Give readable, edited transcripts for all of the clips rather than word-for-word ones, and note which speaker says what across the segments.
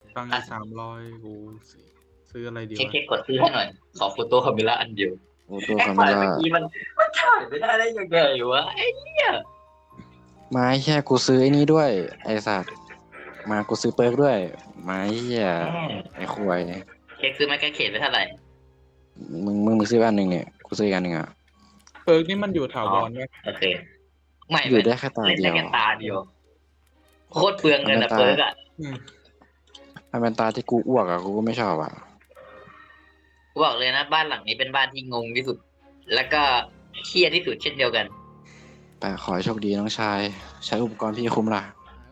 Speaker 1: ตังค์อีก300กูซื้ออะไรดี
Speaker 2: เช็ค
Speaker 1: วะ
Speaker 2: เช็คกดซื้อให้หน่อยขอโฟโต้คาเมล่าอันเดียว
Speaker 3: โอ้ตัว
Speaker 2: ไอ้
Speaker 3: คาเมล่า
Speaker 2: ฝ่ายเมื่อกี้มันถ่ายไม่ได้ยังไงวะไอ้เนี่ย
Speaker 3: ไม้แค่กูซื้อไอ้นี้ด้วยไอ้สัตว์มากูซื้อเปิร์กด้วยไม้เหี้ย
Speaker 2: แม่
Speaker 3: ไอ้ควย
Speaker 2: เช็คซื้อไม้กางเขนไปเท่าไหร่
Speaker 3: มึงซื้ออันหนึ่งเนี่ยกูซื้ออีกอันหนึ่งอ่ะ
Speaker 1: เปิร์กนี่มันอยู่ถา
Speaker 2: อ๋อ
Speaker 1: วรไหม
Speaker 2: โอเคไม่
Speaker 3: อยู่ได้แค่ตา
Speaker 2: เล่น
Speaker 3: เดียว
Speaker 2: ได้แค่ตาเดียวโคตรเปลืองเงิน
Speaker 3: มันเป็นตา
Speaker 2: อะเปิร์กอะ
Speaker 1: อืม
Speaker 3: มันเป็นตาที่กูอ้วกอ่ะกูก็ไม่ชอบอ่ะ
Speaker 2: กูบอกเลยนะบ้านหลังนี้เป็นบ้านที่งงที่สุด แล้วก็เครียดที่สุดเช่นเดียวกัน
Speaker 3: แต่ขอให้โชคดีน้องชายใช้อุปกรณ์พี่คุ้มล่ะ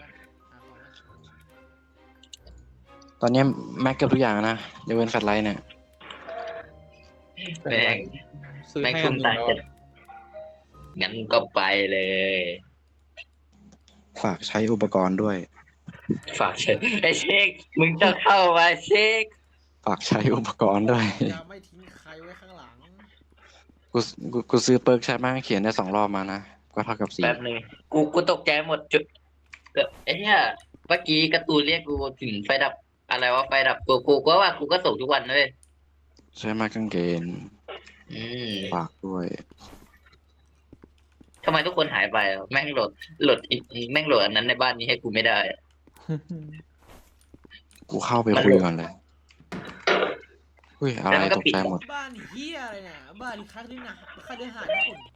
Speaker 3: ตอนนี้แม็กเกือบทุกอย่างนะยกเว้นแฟลชไลท์เนี่ย
Speaker 2: แม่ง
Speaker 1: ซื้อ
Speaker 2: แม่ง
Speaker 1: ให้อั
Speaker 2: ทุ่
Speaker 1: น
Speaker 2: ม
Speaker 1: หนึ่ง
Speaker 2: ตังค์
Speaker 1: แล้ว
Speaker 2: กันงั้นก็ไปเลย
Speaker 3: ฝากใช้อุปกรณ์ด้วย
Speaker 2: ฝากเช็คไอ้เช็คมึงจะเข้ามาเช็ค
Speaker 3: ฝากใช้อุปกรณ์ด้วย
Speaker 4: จะไม่ทิ้งใครไว้ข้างหลัง
Speaker 3: กูซื้อเปิร์กใช้มากเขียนได้2 รอบมานะก็เท่ากับ4
Speaker 2: แป๊บนึงกูตกใจหมดจุดไอ้เนี่ยเมื่อกี้การ์ตูนเรียกกูถึงไฟดับอะไรวะไฟดับกูก็ว่ากูก็ส่งทุกวันเลย
Speaker 3: ใช้ไม้กางเขน
Speaker 2: อืม
Speaker 3: ฝากด้วย
Speaker 2: ทำไมทุกคนหายไปอะแม่งโหลดแม่งโหลดอันนั้นในบ้านนี้ให้กูไม่ได้อะ
Speaker 3: กูเข้าไปคุยก่อนเลยอุ้ยอะไรตกใจหมด
Speaker 4: บ้านเฮียอะไรเนี่ยบ้านค่าด้วยนะค่าด้วยหารญี่ปุ่น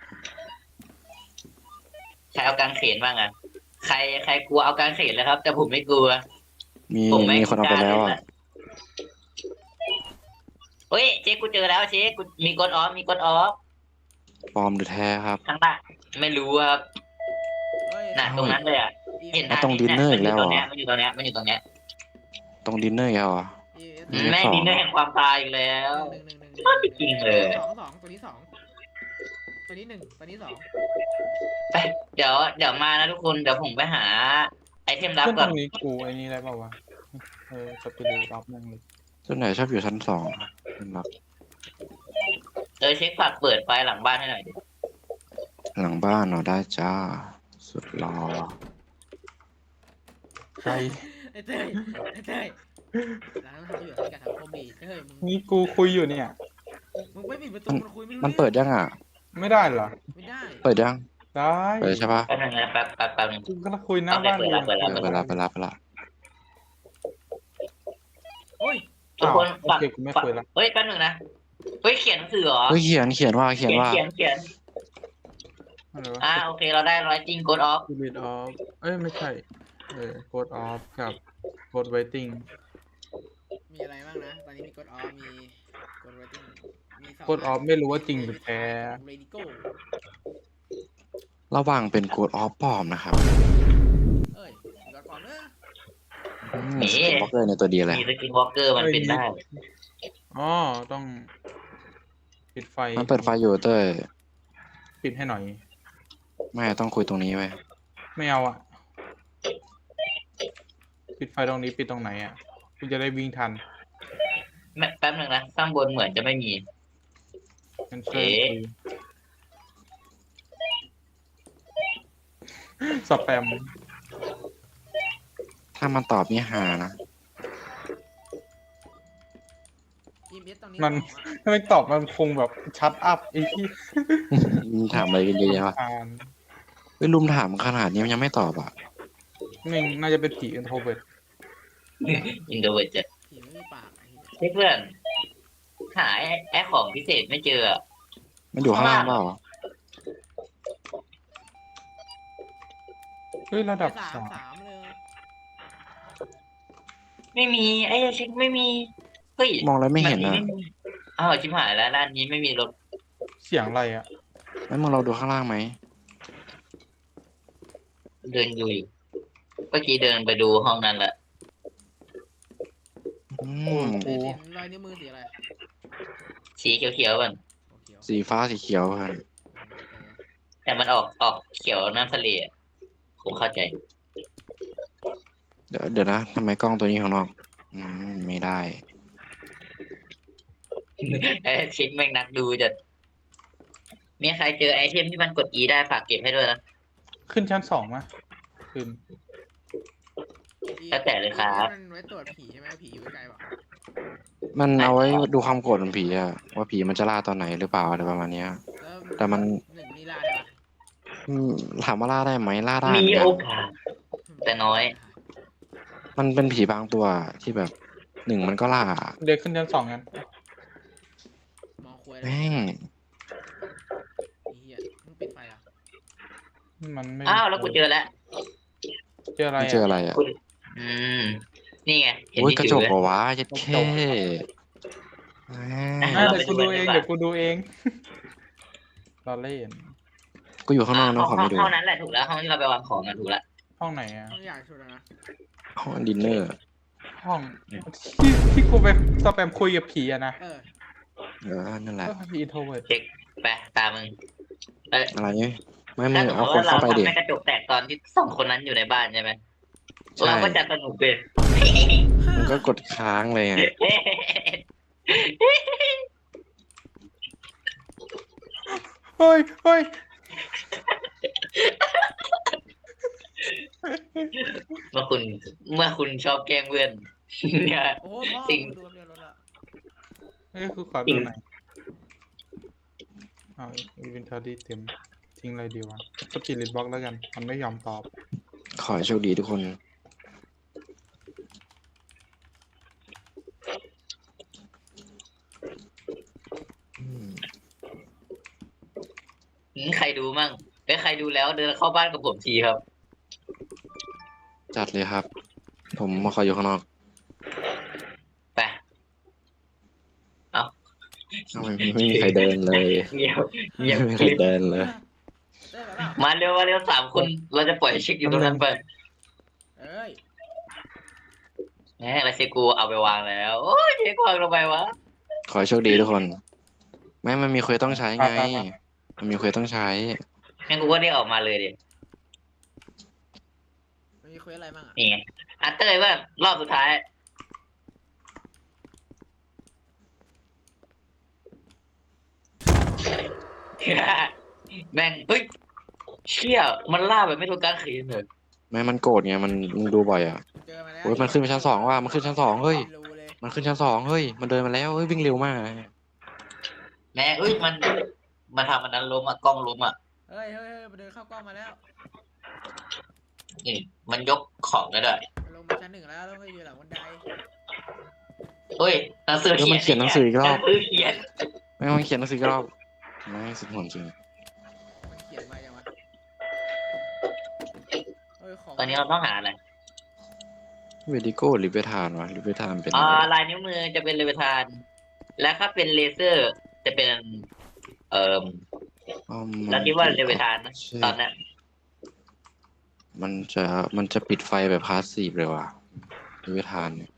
Speaker 2: ใครเอากางเขนบ้างอะใครกลัวเอากางเขนเลยครับ แต่ผมไม่กลัว
Speaker 3: มี
Speaker 2: ผมไม่
Speaker 3: มีคนเอาไปแล้ว
Speaker 2: กล้าเล่น
Speaker 3: อ่ะ
Speaker 2: อะ เฮ้ยเช็คกูเจอแล้วเช็คกูมีกดออฟมีกดออฟ
Speaker 3: ปลอมหรือแท้ครับ
Speaker 2: ข้างหน้าไม่รู้ครับ
Speaker 4: เฮ้ย
Speaker 2: น่ะตรงนั้นเลยอะเห็น
Speaker 3: ไอ้ตรงดินเนอร์อีกแล้วเหรอ
Speaker 2: มันอยู่ตรงเนี้ยมันอยู่ตรงเนี้ย
Speaker 3: ตรงดินเนอร์อีกแล้วเหรอ
Speaker 2: แม่งดินเนอร์แห่งความตายอีกแล้ว จริงเลย
Speaker 4: สองตัวนี้สองตัวนี้หนึ่งตัวนี้สอง
Speaker 2: ไปเดี๋ยวมานะทุกคนเดี๋ยวผมไปหาไอเทมลับ
Speaker 1: ขึ้น
Speaker 2: ก่
Speaker 1: ต
Speaker 2: อน
Speaker 1: รงนี้กูไอ้นี่ได้ป่าวะสปิริตรับนึงเลย
Speaker 3: ส่วนไหนชอบอยู่ชั้น2ครับ
Speaker 2: เช็คฝากเปิดไฟหลังบ้านให้หน่อยดิ
Speaker 3: หลังบ้านเนาะได้จ้า สุดรอ
Speaker 1: ใคร
Speaker 4: ไอ้เต้ยร้านทำอยู่ที่การทำคอมดีเต้ยมึง
Speaker 1: นี่กูคุยอยู่เนี่ย
Speaker 4: มึงไม่ปิดประตูมันคุยไม่รู้
Speaker 3: มันเปิดยังอ่ะ
Speaker 1: ไม่ได้เหรอ
Speaker 4: ไม่ได้
Speaker 3: เปิดยัง
Speaker 1: ได้
Speaker 3: เปิดใช่ปะ
Speaker 2: แป๊บนึงนะแป๊บนึง
Speaker 1: กูก็คุยหน้าบ้าน
Speaker 2: เปิดแล้วเปิดแล้ว
Speaker 3: ไปละ
Speaker 4: โอ้ย
Speaker 2: ทุกคน
Speaker 1: โอ
Speaker 2: ฝาก
Speaker 1: เคกูไม่คุยละ
Speaker 2: เฮ้ยแป๊บนึงนะเฮ้ยเขียนหนังสือเหรอ
Speaker 3: เฮ้ยเขียนว่า
Speaker 2: เขียน
Speaker 1: อะไรวะ
Speaker 2: โอเคเราได้ร้อยจริงกดออฟ
Speaker 1: สปิริตออฟเอ้ยไม่ใช่โกดออฟกับโกดไวติ้ง
Speaker 4: มีอะไรบ้างนะตอนนี้มีกดออฟมีกดเรตติ้งมีสอง
Speaker 1: โกดออฟไม่รู้ว่าจริงหรือแท้
Speaker 4: เรดิโก้
Speaker 3: ระวังเป็นโกดออฟปลอมนะครับ
Speaker 4: เอ้ยเดี๋ยวก่อนเนอะ
Speaker 3: สกินบล็อกเกอร์ในตัวดีเลย
Speaker 2: มีสกินวอล์กเกอร์มันเป็นได้
Speaker 1: อ๋อต้องปิดไฟ
Speaker 3: มันเปิดไฟอยู่เต้ย
Speaker 1: ปิดให้หน่อย
Speaker 3: ไม่ต้องคุยตรงนี้ไว้
Speaker 1: ไม่เอาอ่ะ ปิดไฟตรงนี้ปิดตรงไหนอ่ะกูจะได้วิ่งทัน
Speaker 2: แป๊บนึงนะข้างบนเหมือนจะไม่มี
Speaker 1: งั้นเชิญคุยสแปม
Speaker 3: ถ้ามันตอบนี่หานะ
Speaker 4: อีเมสตรงนี้
Speaker 1: มัน ถ้าไม่ตอบมันคงแบบชัดอัพไอ้ที่
Speaker 3: มึงถามอะไรกันเยอะแยะวะ
Speaker 1: อ่าน
Speaker 3: เฮ้ยลุมถามขนาดนี้มันยังไม่ตอบอ่ะ
Speaker 1: หนึ่งน่าจะเป็นผีอินโทรเวิร์ต
Speaker 2: อินโดเวอร์จะ
Speaker 4: ผีไม่มีปากไอ้เหี้ย
Speaker 2: เพื่อนหาไอ้ของพิเศษไม่เจอ
Speaker 3: มันอยู่ข้างล่างเปล่า
Speaker 1: เฮ้ยระดับ
Speaker 4: สาม
Speaker 1: 3
Speaker 4: สามเลย
Speaker 2: ไม่มีไอ้เช็คไม่มีเฮ้ย
Speaker 3: มองแล้วไม่เห็นอ่ะ
Speaker 2: อ้าวชิบหายแล้วร้านนี้ไม่มีรถ
Speaker 1: เสียงอะไรอ่ะ
Speaker 3: แล้วมึงเราดูข้างล่างไหม
Speaker 2: เดินอยู่เมื่อกี้เดินไปดูห้องนั้นแหละ
Speaker 3: อืม
Speaker 4: เต้ยเห็นรอยนิ้วมือสีอะไร
Speaker 2: สีเขียวๆมัน
Speaker 4: โอเค
Speaker 3: สีฟ้าสีเขียวครับ
Speaker 2: แต่มันออกเขียวน้ำทะเลอะผมเข้าใจ
Speaker 3: เดี๋ยวนะทำไมกล้องตัวนี้ข้างนอก ไม่ได้
Speaker 2: ไอ้เช็คแม่งนักดูจะมีใครเจอไอเทมที่มันกด E ได้ฝากเก็บให้ด้วยนะ
Speaker 1: ขึ้นชั้น2มั้ยขึ้น
Speaker 2: แล้วแต่เลยครับ
Speaker 4: มันไว้ตรวจผีใช่ไหมผีอยู่ไกลเปล่า
Speaker 3: มันเอาไว้ดูความโกรธของผีอะว่าผีมันจะล่าตอนไหนหรือเปล่าอะไรประมาณเนี้ย
Speaker 4: แล้ว
Speaker 3: แต่มัน
Speaker 4: หนึ่งนี่ล่าได้ปะ
Speaker 3: อืมถามว่าล่าได้ไหมล่าได้
Speaker 2: มี
Speaker 3: เหมือนกั
Speaker 2: โอน กาส แต่น้อย
Speaker 3: มันเป็นผีบางตัวที่แบบหนึ่งมันก็ล่า
Speaker 1: เด็กขึ้นชั้น2กัน
Speaker 4: มองคุยเลย
Speaker 3: แม่ง
Speaker 4: ไอ้เหี้ยมึงปิดไฟอ่ะ
Speaker 1: มันไม่
Speaker 2: อ้าวแล้วกูเจอแล้ว
Speaker 1: เจออะไร
Speaker 3: มันเจออะไรอ่ะ
Speaker 2: คุณอืมนี่ไงเห็น
Speaker 3: โอ้ย
Speaker 2: ที่
Speaker 3: กระจ
Speaker 2: ถื
Speaker 3: ก
Speaker 2: อ
Speaker 3: เหรอวะยัดแค่แม่
Speaker 1: อ่ะ
Speaker 3: ง
Speaker 1: เดี๋ยวกูดูเองเดี๋ยวกูดูเองเราเล่น
Speaker 3: กูอยู่ข้างนอกนะ
Speaker 2: ห้
Speaker 3: ขอไม่ดู
Speaker 2: ห้องนั้นแหละถูกแล้วห้องที่เราไปวางของกันถูกแล้ว
Speaker 1: ห้องไหนอ่ะ
Speaker 4: ต้องอยากชุดแล้วนะ
Speaker 3: ห้องดินเนอร์
Speaker 1: ห้องที่กูไปสแปมคุยกับผีอะนะ
Speaker 3: นั่นแหละ
Speaker 1: ผีอินโทรเวิร์ด
Speaker 2: เช็คไปตามมึงเอ้ย
Speaker 3: อะไรเนี่ยไม่มึ
Speaker 2: ถ้าง สมม
Speaker 3: เอา
Speaker 2: ติ
Speaker 3: คน
Speaker 2: ว่าเรา
Speaker 3: เข้าไปดิ
Speaker 2: ทำให้กระจกแตกตอนที่สองคนนั้นอยู่ในบ้านใช่ไหม
Speaker 3: ใช่
Speaker 2: เราก็จะสนุกเลย
Speaker 3: มันก็กดค้างเลยไง
Speaker 1: เฮ้ยเฮ้ย
Speaker 2: เมื่อคุณชอบแกล้งเพื่อน เนี่ย
Speaker 4: โอ้โหพ่อ
Speaker 2: สิ่ง
Speaker 4: กูดูเรียนรถละ
Speaker 1: เฮ้ยคือขอดูหน่อยเอาอินเวนทอรี่เต็มทิ้งอะไรดีวะสปิริตบล็อกแล้วกันมันไม่ยอมตอบ
Speaker 3: ขอให้โชคดีทุกคนอืม
Speaker 2: ใครดูมั่งใครดูแล้วเดินเข้าบ้านกับผมทีครับ
Speaker 3: จัดเลยครับ ผมมาขออยู่ข้างนอก
Speaker 2: ไป
Speaker 3: ทำไมไม่มีใครเดินเลย
Speaker 2: เงียบเงียบ
Speaker 3: ไม่มี
Speaker 2: ก
Speaker 3: ใคร
Speaker 2: ริบ
Speaker 3: เดินเลย
Speaker 4: ได้แบบเปล่า
Speaker 2: มาเร็ว3 คนเราจะปล่อยเช็คอยู่ตรงนั้นไป
Speaker 4: เอ้ย
Speaker 2: แหมแล้วเช็คกูเอาไปวางแล้วโอ้ยเช็ควางลงไปวะ
Speaker 3: ขอให้โชคดีทุกคนไม่มันมีเควสต้องใช้ไง มันมีเควสต้องใช้
Speaker 2: งั้นกูก็เรียกออกมาเลยดิ
Speaker 4: มันมีเควสอะไรบ้างอ่ะ
Speaker 2: นี่ไงอ่ะเต้ยว่ารอบสุดท้าย แม่งเฮ้ยเชี่ยมันล่าแบบไม่รู้การขีนเลย
Speaker 3: ไม่มันโกรธไงมันดูบ่อยอ่ะ
Speaker 4: เจอมาแล้ว
Speaker 3: โอ้ยมันขึ้นไปชั้น 2ว่ะมันขึ้นชั้น 2เฮ้ย
Speaker 4: รู้เลย
Speaker 3: มันขึ้นชั้น 2เฮ้ยมันเดินมาแล้วเฮ้ยวิ่งเร็วมาก
Speaker 2: แม่เอ้ยมันทำมันนั้นล้มอ่ะกล้องล้มอ่ะ
Speaker 4: เฮ้ยมันเดินเข้ากล้องมาแล้ว
Speaker 2: นี่มันยกของได้ด้วย
Speaker 4: มันลงมาชั้น 1แล้วก็อยู่หลังบันได
Speaker 2: เฮ้ยหนังสือ
Speaker 3: เออมันเขียนหนังสืออีกรอบ
Speaker 2: หนังสือเขียน
Speaker 3: ไม่มันเขียนหนังสืออีกรอบไม่สุดหอนจริง
Speaker 4: มันเขียนมาอย่างวะเฮ้ยของ
Speaker 2: ตอนนี้เราต้องหาอะไร
Speaker 3: เวดิโก้หรือเวทานวะหรือเวทานเป็น
Speaker 2: ลายนิ้วมือจะเป็นเลเวทาน และถ้าเป็นเลเซอร์ จะเป็นเราคิดว่าเลเวทานนะตอนนั้น
Speaker 3: มันจะปิดไฟแบบพาสซีฟเลยว่ะเวทานเนี่ย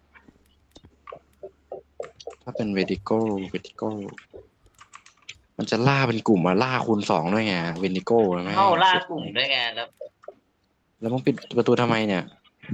Speaker 3: ถ้าเป็นเวดิโก้มันจะล่าเป็นกลุ่มล่าคูณ 2ด้วยไงเวดิโก้ไหม
Speaker 2: เข้าล่ากลุ่มด้วยไงแล้ว
Speaker 3: มึงปิดประตูทำไมเนี่ย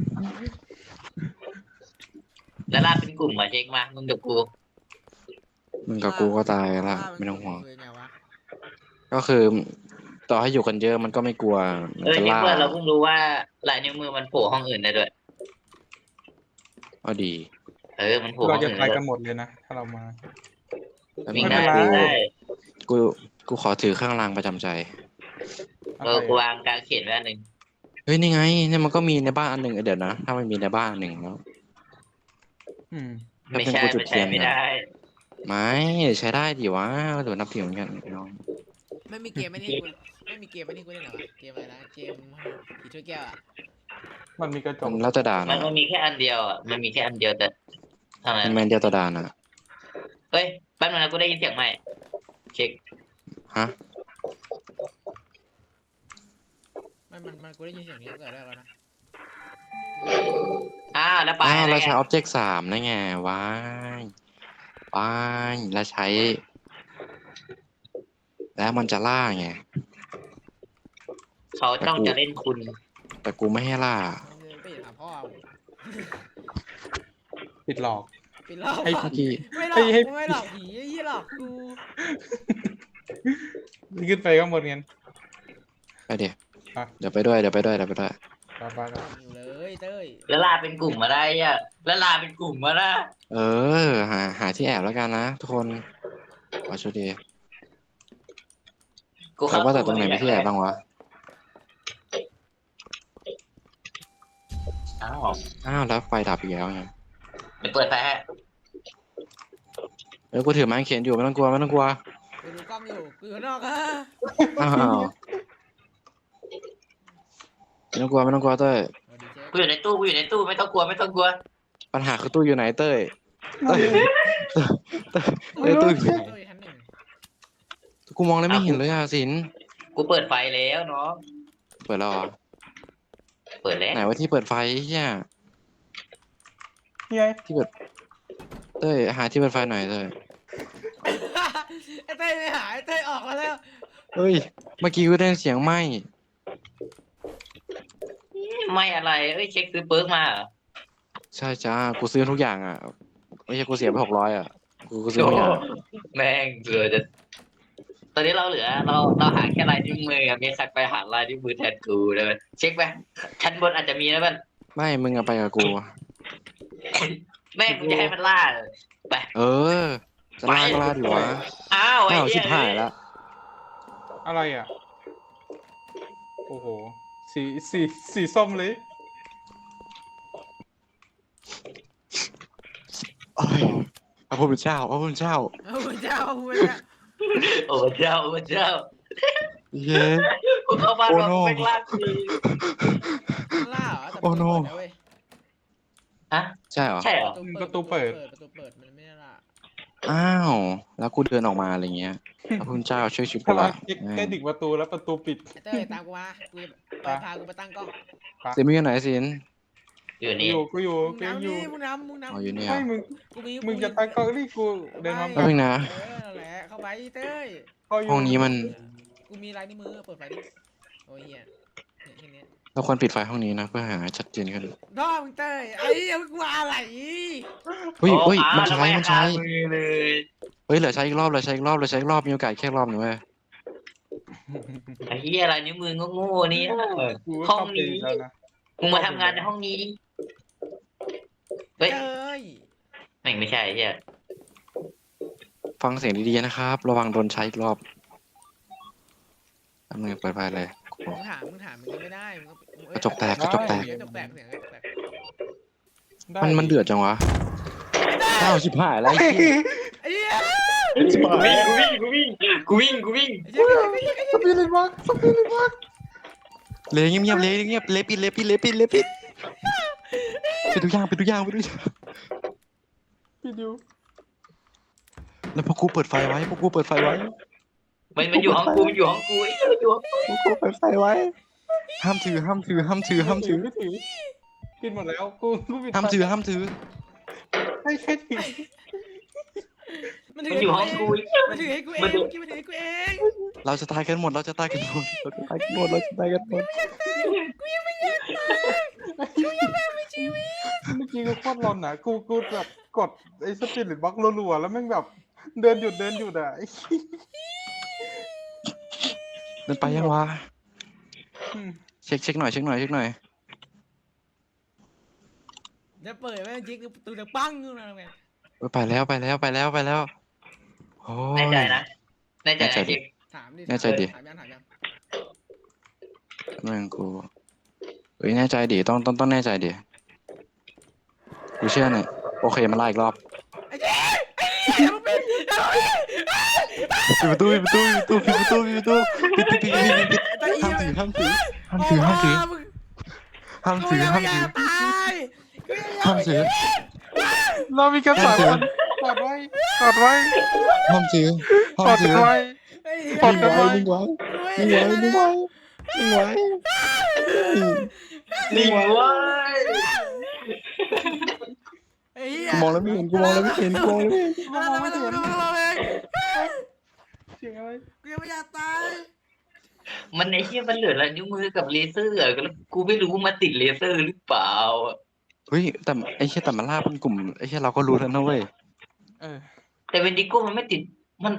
Speaker 2: ล่าเป็นกลุ่มมาเช็คมามึงกับกู
Speaker 3: มึงกับกูก็ตายละไม่ต้องห่วง
Speaker 4: คือไงวะ
Speaker 3: ก็คือ ต่อให้อยู่กันเยอะมันก็ไม่กลัวมันจะ
Speaker 2: นี่
Speaker 3: ล่า
Speaker 2: เพื่อนเราเพิ่งรู้ว่าลายนิ้วมือมันโผล่ห้องอื่นได้ด้วย
Speaker 3: เอาดี
Speaker 2: มันโผล่ห้
Speaker 1: เรา
Speaker 2: อง
Speaker 1: จะ
Speaker 2: อื่น
Speaker 1: ตา
Speaker 2: ได้
Speaker 1: ย
Speaker 2: ด้
Speaker 1: กั
Speaker 2: วน ย
Speaker 1: หมดเลยนะถ้าเรามา
Speaker 2: วิ่ง
Speaker 1: ไม่
Speaker 2: ได้
Speaker 1: เป็นไร
Speaker 2: วิ่งได้
Speaker 3: กูขอถือเครื่องรางประจำใจ
Speaker 2: กูวางกลางเขียนไว้อันหนึ่ง
Speaker 3: เฮ้ยนี่ไงเนี่ยมันก็มีในบ้านอันหนึ่งเดี๋ยวนะถ้ามันมีในบ้านอันหนึ่งแล้ว
Speaker 1: อืม
Speaker 2: ไม่ใช่ไม่ได้
Speaker 3: ไม่ใช้ได้ดิวะเดี๋ยวนับถือเหมือนกันน้อง
Speaker 4: ไม่มีเกมไม่นี่กูไม่มีเกมไม่นี่กูเล่นเหรอวะเกมอะไรนะเกมผีถ้วยแก้วอ่ะ
Speaker 1: มันมีกระจ
Speaker 3: มั
Speaker 1: ก
Speaker 3: นแล้วจะด่า
Speaker 2: มั
Speaker 3: นะ
Speaker 2: นมีแค่อันเดียวอ่ะมันมีแค่อันเดียวแต่ทำไม
Speaker 3: มันแมนเดียวต่อด่านอ่ะ
Speaker 2: เฮ้ยแป๊บนึงนะกูได้ยินเสียงใหม่เช็ค
Speaker 3: ฮะ
Speaker 4: มันกูได้ยินเสียงนี้ตั้งแต่แรกแล้วนะ
Speaker 2: แล้วไป
Speaker 3: เราใช้ object 3นะไงว้ายแล้วใช้ แล้วมันจะล่าไง
Speaker 2: เขาต้องจะเล่นคุณ
Speaker 3: แต่กูไม่ให้ล่า
Speaker 4: มึงไปถามพ่อ
Speaker 1: ปิดหลอก
Speaker 4: ไปหลอก
Speaker 1: ให้
Speaker 3: พี่
Speaker 4: ไม่หลอกกูไม่หลอกผีไอ้ยี่หลอกกู
Speaker 1: ขึ้นไปก็หมดเงิน
Speaker 3: ไปเดี๋ยว
Speaker 1: อ่ะ
Speaker 3: เดี๋ยวไปด้วย
Speaker 1: ไปไป
Speaker 4: อยู่เลยยเต้ย
Speaker 2: แล้วลาเป็นกลุ่มมาได้อ่ะแล้วลาเป็นกลุ่มมานะ
Speaker 3: เออหาที่แอบแล้วกันนะทุกคนขอโชคดี
Speaker 2: กู
Speaker 3: แต่
Speaker 2: เข้า
Speaker 3: ว่าแต่
Speaker 2: ก
Speaker 3: ตร
Speaker 2: ลุ่
Speaker 3: ง
Speaker 2: ม
Speaker 3: ไหน
Speaker 2: มา
Speaker 3: มีที่แอบบ้างวะ
Speaker 2: อ้าว
Speaker 3: อ้าวแล้วไฟดับอีกแล้วไง
Speaker 2: เดี๋ยวเปิดไฟให้
Speaker 3: เออกูถือไม้เขียนอยู่ไม่ต้องกลัวไม่ต้องกลัว
Speaker 4: กูดูกล้องอยู่กูอยู่ข้างนอกฮะ
Speaker 3: อ้าวไม่ต้องกลัวไม่ต้องกลัวเต้ย
Speaker 4: สวัสดีเจ๊
Speaker 2: กูอยู่ในตู้ไม่ต้องกลัวไม่ต้องกลัว
Speaker 3: ปัญหาคือตู้อยู่ไหนเต้ยเต้ยเต้ยตู้อยู่ไหน
Speaker 4: เต้ยชั้นหนึ่ง
Speaker 3: กูมองแล้วไม่เห็นเลยอ่ะสิน
Speaker 2: กูเปิดไฟแล้วเนาะ
Speaker 3: เปิดแล้วเหรอ
Speaker 2: เปิดแล้ว
Speaker 3: ไหนว่าที่เปิดไฟเฮีย
Speaker 1: นี่ไง
Speaker 3: ที่เปิดเต้ยหาที่เปิดไฟหน่อยเต้ย
Speaker 4: ไอ้เต้ยไม่หายไอ้เต้ยออกมาแล้ว
Speaker 3: เฮ้ยเมื่อกี้กูได้ยินเสียงไหม
Speaker 2: ไม่อะไรเอ้ยเช็คซื้อเปิร์กมาเหรอ
Speaker 3: ใช่จ้ากูซื้อทุกอย่างอ่ะไม่ใช่กูเสียไป600อ่ะกูซื้อ
Speaker 2: โอ้
Speaker 3: ทุกอย่าง
Speaker 2: แม่งเกือจะตอนนี้เราเหลือเราหาแค่ลายนิ้วมืออะมีใครไปหาลายนิ้วมือแทนกูเลยมั้ยเช็คไปชั้นบนอาจจะมีนะมัน
Speaker 3: ไม่มึงอะไปกับกู
Speaker 2: แม่งกูจะให้มันล่าเลยไป
Speaker 3: เออจะลาก็ลาดิวะ
Speaker 2: อ้าวไอ้
Speaker 3: อ้าว
Speaker 2: เหี้
Speaker 3: ชิบหายแล้ว
Speaker 1: อะไรอ่ะโอ้โหสีส้มเลย
Speaker 3: โอ้ยพระพุทธเจ้าพระพุทธเจ้า
Speaker 4: เอาพระเจ้าพระเจ้า
Speaker 2: โอ้เจ้าโอ้เจ้า
Speaker 3: เย้
Speaker 2: กูเข้าบ้าน
Speaker 3: โอ้
Speaker 2: มา
Speaker 3: โน่
Speaker 2: ไม่ล่ากู
Speaker 4: ล่าเหรอแต่
Speaker 3: โอ้โน่
Speaker 4: เปิดนะเว้ย
Speaker 2: ฮะ
Speaker 3: ใช่เหรอ
Speaker 2: ใช่เหรอ
Speaker 4: ประตูเปิดมันไม่ได้ล่า
Speaker 3: อ้าวแล้วกูเดินออกมาอะไรเงี้ยพระพุทธเจ้าช่วยชีวิตกู
Speaker 1: ถ้าเรา
Speaker 3: ละ
Speaker 1: ใกล้ถึงประตูแล้วประตูปิด
Speaker 4: ไอ้เต้ยตามกูมากูไปพากูไปตั้งกล้อง
Speaker 3: เซมิอยู่ไหนสิน
Speaker 2: อยู่
Speaker 1: กู
Speaker 2: นี่
Speaker 1: อยู่กูอยู่
Speaker 4: มึง
Speaker 1: กูยัง
Speaker 4: นำ
Speaker 1: อยู่
Speaker 4: นี่มึงนำมึงนำ
Speaker 3: อ๋ออยู่เนี่ย
Speaker 1: ไม่มึง
Speaker 4: กูมี
Speaker 1: มึงจะตั้งกล้องนี่กูเดินมา
Speaker 3: แป๊บนึงนะ
Speaker 4: เออนั่นแหละเข้าไปเต้ย
Speaker 1: เข้าอยู่
Speaker 3: ห้องนี้มัน
Speaker 4: กูมีลายนิ้วมือเปิดไฟดิโอ้ยเหี้ยเนี่ยแค่เนี้ย
Speaker 3: เราควรปิดไฟห้องนี้นะเพื่อหาชัดเจนขึ้น
Speaker 4: น้อมึงเต้ยไอ้เหี้ยมึงกลัวอะไร
Speaker 3: เฮ้ย
Speaker 2: โอ้
Speaker 3: เฮ้ยมัน
Speaker 2: อ้าว
Speaker 3: ใช้มันใช้
Speaker 2: แล้วไม่หามือเลย
Speaker 3: เฮ้ยเหลือใช้อีกรอบเหลือใช้อีกรอบเหลือใช้อีกรอบมีโอกาสแค่รอบหนึงเว้ย
Speaker 2: ไอ้เหี้ยอะไรนิ้วมือโง่ๆนี่
Speaker 1: กูก็
Speaker 2: ห้อง
Speaker 1: เข้าไป
Speaker 2: นี้
Speaker 1: แล้วนะ
Speaker 2: มึงมาทำงานในห้องนี้เฮ้ย
Speaker 4: เต้ย
Speaker 2: แม่งไม่ใช่ไอ้เหี้ย
Speaker 3: ฟังเสียงดีๆนะครับ ระวังโดนใช้อีกรอบแป๊บนึงเปิดไฟเลย
Speaker 4: มึงถามมึงยังไม่ได้มึงก็
Speaker 3: กระจกแตกกระจกแตก
Speaker 4: กระจกแตกเสียงกระจกแตก
Speaker 1: ได้
Speaker 3: มันเดือดจังวะอ้าวชิบหายแล้วไอ้เหี้ย
Speaker 4: ไอ้เหี้ย
Speaker 2: กูวิ่ง
Speaker 4: ไอ้เหี้ย
Speaker 1: สปิริตบ็อกสปิริตบ็อก
Speaker 3: เลยเงียบๆเลยเงียบเลยปิดเลยปิดเลยปิดเลยปิดปิดทุกอย่างปิดทุกอย่างปิดทุกอย่าง
Speaker 1: พี่ดิว
Speaker 3: แล้วพวกกูเปิดไฟไว้พวกกูเปิดไฟไว้
Speaker 2: มันอยู่ห้องกูมันอยู่ห้องกูไอ้เหี้ยมันอยู่ห้องกู
Speaker 3: พวกกูเปิดไฟไว้ ห้ามถือห้ามถือห้ามถือห้ามถือ
Speaker 1: ไม่ถือปิดหมดแล้วกูปิด
Speaker 3: ห้ามถือห้ามถือ
Speaker 1: ให้แค่ถือ
Speaker 4: มันถื
Speaker 2: มันอยู่ห้องกูไอ้เหี้ย
Speaker 4: มันถือให้กูเอง
Speaker 2: มันดู
Speaker 4: เมื่อกี้มันถือให้กูเอง
Speaker 3: เราจะตายกันหมดเราจะตายกันหมดเราจะตายกันหมดเราจะตายกันหมด
Speaker 1: เมื่อกี้กูโคตรร้อนนะกูแบบกดไอ้สปิริตบ็อกรัวๆแล้วแม่งแบบเดินหยุดอ่ะไอ้
Speaker 3: เดินไปยังวะ
Speaker 1: อืม
Speaker 3: เช็คหน่อยเช็คหน่อยเช็คหน่อย
Speaker 4: เดี๋ยวเปิดแม่งจิ๊กประตูจะปังขึ้นมาทำไง
Speaker 3: เออไปแล้วไปแล้วไปแล้วไปแล้วโอ้
Speaker 2: แน่
Speaker 3: ย
Speaker 2: ใจนะแน่ใจ
Speaker 3: แน่ใจ
Speaker 2: นะ
Speaker 3: ดิ
Speaker 2: เจ๊
Speaker 4: ถามดิ
Speaker 3: แน่ใจดิ
Speaker 4: ถามยัง
Speaker 3: แม่งกูเฮ้ยแน่ใจดิต้องแน่ใจดิกูเชื่อเนี่ยโอเคมาไล่อีกรอบ
Speaker 4: ไอ้เจ๊ไอ้เหี้ยมันเป็นไอ้เหี้ย
Speaker 3: ปิดประตูปิดประตูปิดประตูปิดประตูปิดประตูปิดห้ามถือห้ามถือห้ามถือห้ามถือ
Speaker 4: มึง
Speaker 3: ห้าม
Speaker 4: กู
Speaker 3: ถือ
Speaker 4: ยัง
Speaker 3: ห้า
Speaker 4: ไม่
Speaker 3: ม
Speaker 4: อยา
Speaker 3: ถือก
Speaker 4: ตายกูยัง
Speaker 3: ห้ามถือ
Speaker 1: เรามีกันสามคนกอดไว้กอดไว้
Speaker 3: ห้ามถือห้าก ม
Speaker 1: อด
Speaker 3: ถือ
Speaker 1: ไว้
Speaker 4: ไอ้เหี้ย
Speaker 1: กอดกันไว้
Speaker 3: นิ่งไว้
Speaker 4: กู
Speaker 3: นิ่ง
Speaker 4: ไม่
Speaker 3: ไว้นิ่งไว้นิ่งไว้
Speaker 2: นิ่งเว้ย
Speaker 4: ไอ้เหี้ย
Speaker 3: กูมองแล้วไม่เห็นกูมองแล้วไม่เห็นกูมองแล้วไม่เห็น
Speaker 4: มาแล้ว
Speaker 1: เสียงอะไร
Speaker 4: กูยังไม่อยากตาย
Speaker 2: มันไอ้เหี้ยมันเหลืออะไรนิ้วมือกับเลเซอร์อะแล้วกูไม่รู้ว่ามันติดเลเซอร์หรือเปล่าอะ
Speaker 3: เฮ้ยแต่ไอ้เชี่ยแต่มันล่าเป็นกลุ่มไอ้เชี่ยเราก็รู้แล้วนะเว้ย
Speaker 1: เออ
Speaker 2: แต่เวนดิโก้มันไม่ติดมัน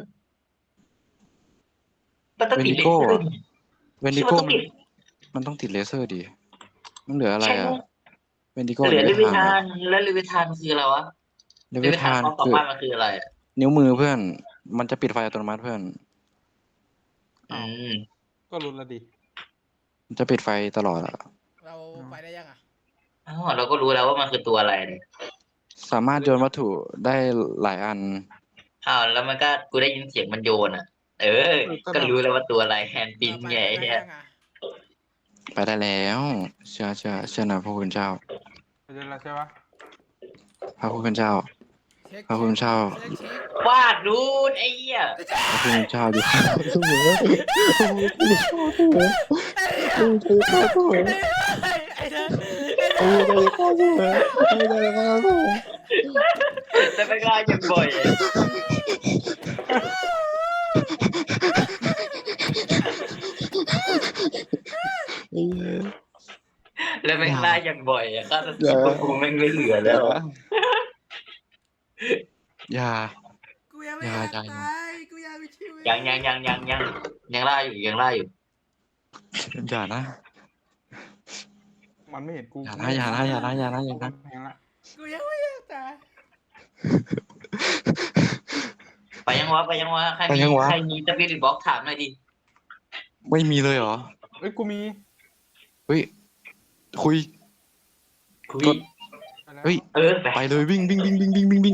Speaker 2: ต้องติดเล
Speaker 3: Wendigo
Speaker 2: เซอ
Speaker 3: อะ
Speaker 2: ร์
Speaker 3: เวนดิโก้มันต้องติดเลเซอร์ดิมันเหลืออะไร
Speaker 2: ใช่ไหม
Speaker 3: อ่ะเป็นดิโก้
Speaker 2: เหลือ
Speaker 3: เล
Speaker 2: ลิ
Speaker 3: วิ
Speaker 2: วิ
Speaker 3: ธา
Speaker 2: ทาน นแล้วลิวิทานคืออะไรวะ
Speaker 3: เล
Speaker 2: ลิ
Speaker 3: วิ
Speaker 2: วิทา
Speaker 3: ธาน น
Speaker 2: ความสา
Speaker 3: คือ
Speaker 2: มารถมันคืออะไรอะ
Speaker 3: นิ้วมือเพื่อน มันจะปิดไฟอัตโนมัติเพื่อน
Speaker 2: อืม
Speaker 1: ก็รู้แล้วดิ
Speaker 3: มันจะปิดไฟตลอดอะ
Speaker 4: เราไปได้ยังอ่ะ
Speaker 2: อ๋อเราก็รู้แล้วว่ามันคือตัวอะไรเนี่ย
Speaker 3: สามารถโยนวัตถุได้หลายอัน
Speaker 2: อ้าวแล้วมันก็กูได้ยินเสียงมันโยนอ่ะ เออ ก็รู้แล้วว่าตัวอะไรแฮนด์ปิน
Speaker 4: เราไป
Speaker 2: ไงไอ้
Speaker 4: ไป
Speaker 2: เหี้
Speaker 4: ได้
Speaker 2: ย
Speaker 4: ยังอ่ะ
Speaker 3: ไปได้แล้ว เชื่อนะพระคุณเจ้า
Speaker 1: ไปเจอแล้วใช่ปะ
Speaker 3: พระคุณเจ้า
Speaker 4: เช็ค
Speaker 3: พระคุณเจ้า
Speaker 4: เช็ค
Speaker 2: วาดรูนไอ้เหี้ย
Speaker 3: พระคุณเจ้าอยู่ข้างเสมอพระคุณเจ้าเสมอพระคุณเจ้าเสมอ
Speaker 4: ไอ้เด้อ
Speaker 3: พระคุณเจ้าอยู่ข้างเสมอพระคุณเจ้าอยู่ข้างเสมอ
Speaker 2: แต่ไม่กล้าอย่างบ่อยอะแล้วไม่กล้าอย่างบ่อยอ่ะก็จะคิดว่ากูแม่งไม่เหลือแล้ว
Speaker 3: อย่า
Speaker 4: กูยังไม่อยาก
Speaker 3: อย่า
Speaker 4: ตายกูอยากมีชีวิต
Speaker 2: ยังล่าอยู่ยังล่าอยู่
Speaker 3: อย่านะ
Speaker 1: มันไม่เห็นกู
Speaker 3: อย่านะอย่านะอย่านะอย่านะอย่านะ
Speaker 1: แพงละ
Speaker 4: กูยังไม่อยากตาย
Speaker 2: ไปยังวะใครมีสปิริตบ็อกถามหน่อยดิ
Speaker 3: ไม่มีเลยเหรอ
Speaker 1: เอ้ยกูมี
Speaker 3: เฮ้ย คุย
Speaker 2: คุย
Speaker 3: กด
Speaker 1: ไปแล้ว
Speaker 3: เฮ้ย
Speaker 2: เออไป
Speaker 3: ไปเลยวิ่งวิ่งวิ่งวิ่งวิ่งวิ่งวิ่ง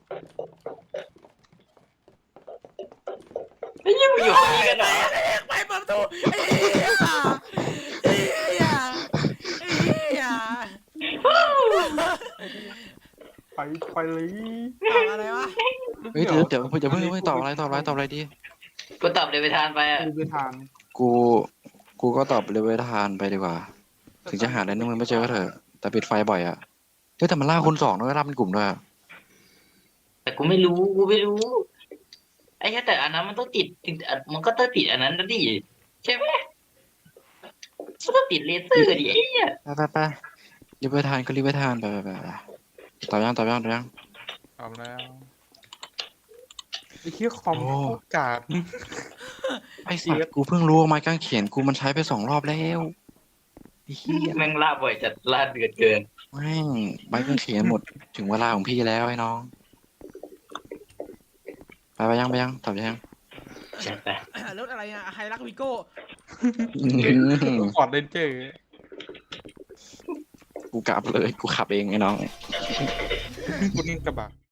Speaker 2: ไอ้ยังอยู่ที่กันเหรอ
Speaker 4: ไปเปิดประตูไอ้เหี้ยไอ้เหี้ยไอ้เหี้ย
Speaker 1: ไปเลย
Speaker 4: ตอบอะไรวะ
Speaker 3: เฮ้ยเดี๋ยวอย่าเพิ่งตอบอะไรดี
Speaker 2: กูตอบเลยไปทานไปอ่ะ
Speaker 1: กูไปทาน
Speaker 3: กูก็ตอบเลเวลทานไปดีกว่า ถึงจะหาได้นึงมันไม่เจอก็เถอะ แต่ปิดไฟบ่อยอะเฮ้ยแต่มันล่าคนสองด้วยล่าเป็นกลุ่มด้วยอะ
Speaker 2: แต่กูไม่รู้ไอ้แค่แต่อันนั้นมันต้องติดมันก็ต้องติดอันนั้นนะดิใช่ไหมมันต้องติดเลเซอร์ดิไอ้เนี่ย
Speaker 3: ไปรีบไปทานก็รีบไปทานไปตอบยัง
Speaker 1: ตอบแล้วไอ้เหี้ยคอม
Speaker 3: โอ้
Speaker 1: โคตรกาด
Speaker 3: ไอ้สัตว์กูเพิ่งรู้ว่าไม้กางเขนกูมันใช้ไป2 รอบแล้วไอ้เหี้ย
Speaker 2: แม่งล่าบ่อยจัดล่าเดือดเกิน
Speaker 3: แม่งไม้กางเขนหมดถึงเวลาของพี่แล้วไอ้น้อง ไปยังตอบยัง
Speaker 2: ใช่ไป
Speaker 4: รถอะไรอ่ะไฮรักวิโก้
Speaker 1: ฟอร์ดเรนเจอร์
Speaker 3: กูกลับเลยกูขับเองไอ้น้อง
Speaker 1: กูนี่กระบะ